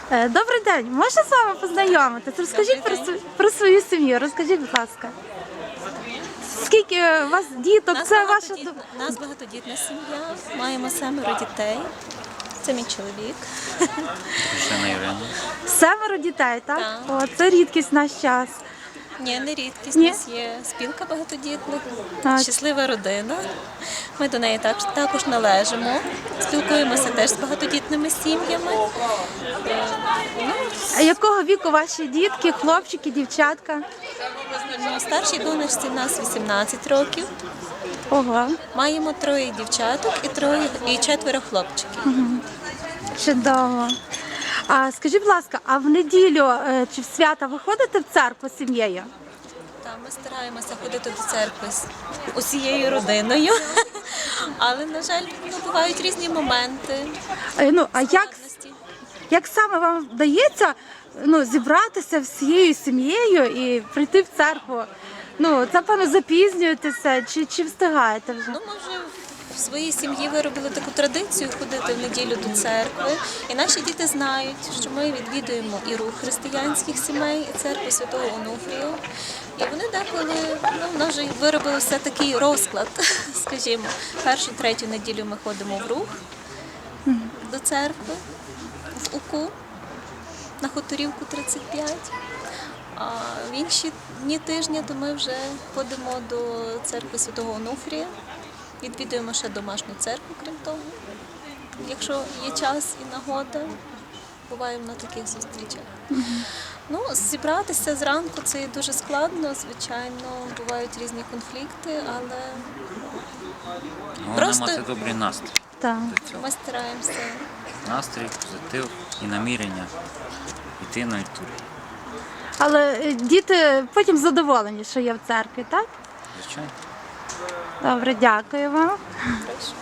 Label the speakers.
Speaker 1: Добрий день, можна з вами познайомитись? Розкажіть про свою сім'ю, розкажіть, будь ласка. Скільки у вас діток? Це ваша...
Speaker 2: Нас багатодітна сім'я, маємо 7 дітей. Це мій чоловік.
Speaker 3: Дружина Ірина.
Speaker 1: 7 дітей, так?
Speaker 2: Так.
Speaker 1: О, це рідкість в наш час.
Speaker 2: Ні, не рідкість.
Speaker 1: Ні?
Speaker 2: У нас є спілка багатодітних,
Speaker 1: Так.
Speaker 2: щаслива родина. Ми до неї також належимо. Спілкуємося теж з багатодітними сім'ями.
Speaker 1: А якого віку ваші дітки, хлопчики, дівчатка?
Speaker 2: Старшій донечці в нас 18 років.
Speaker 1: Ого,
Speaker 2: Маємо 3 дівчаток і 4 хлопчиків.
Speaker 1: чудово. А скажіть, будь ласка, а в неділю чи в свята ви ходите в церкву з сім'єю?
Speaker 2: Так, ми стараємося ходити до церкви з усією родиною, але, на жаль, бувають різні моменти.
Speaker 1: А
Speaker 2: складності.
Speaker 1: як саме вам вдається зібратися всією сім'єю і прийти в церкву? Це, певно, запізнюєтеся чи встигаєте вже?
Speaker 2: Ми вже в своїй сім'ї виробили таку традицію ходити в неділю до церкви. І наші діти знають, що ми відвідуємо і рух християнських сімей, і церкву Святого Онуфрію. І вони деколи, в нас вже виробили все такий розклад, скажімо. 1-3 неділю ми ходимо в рух до церкви, в УКУ, на Хуторівку 35. А в інші дні тижня то ми вже ходимо до церкви Святого Онуфрія, відвідуємо ще домашню церкву, крім того. Якщо є час і нагода, буваємо на таких зустрічах. Зібратися зранку це дуже складно, звичайно, бувають різні конфлікти, але
Speaker 3: Головне мати добрий настрій.
Speaker 1: Так.
Speaker 3: До цього.
Speaker 2: ми стараємося.
Speaker 3: Настрій, позитив і намірення йти на літургію.
Speaker 1: Але діти потім задоволені, що є в церкві, так?
Speaker 3: Звичайно.
Speaker 1: Добре, дякую вам.
Speaker 2: Прошу.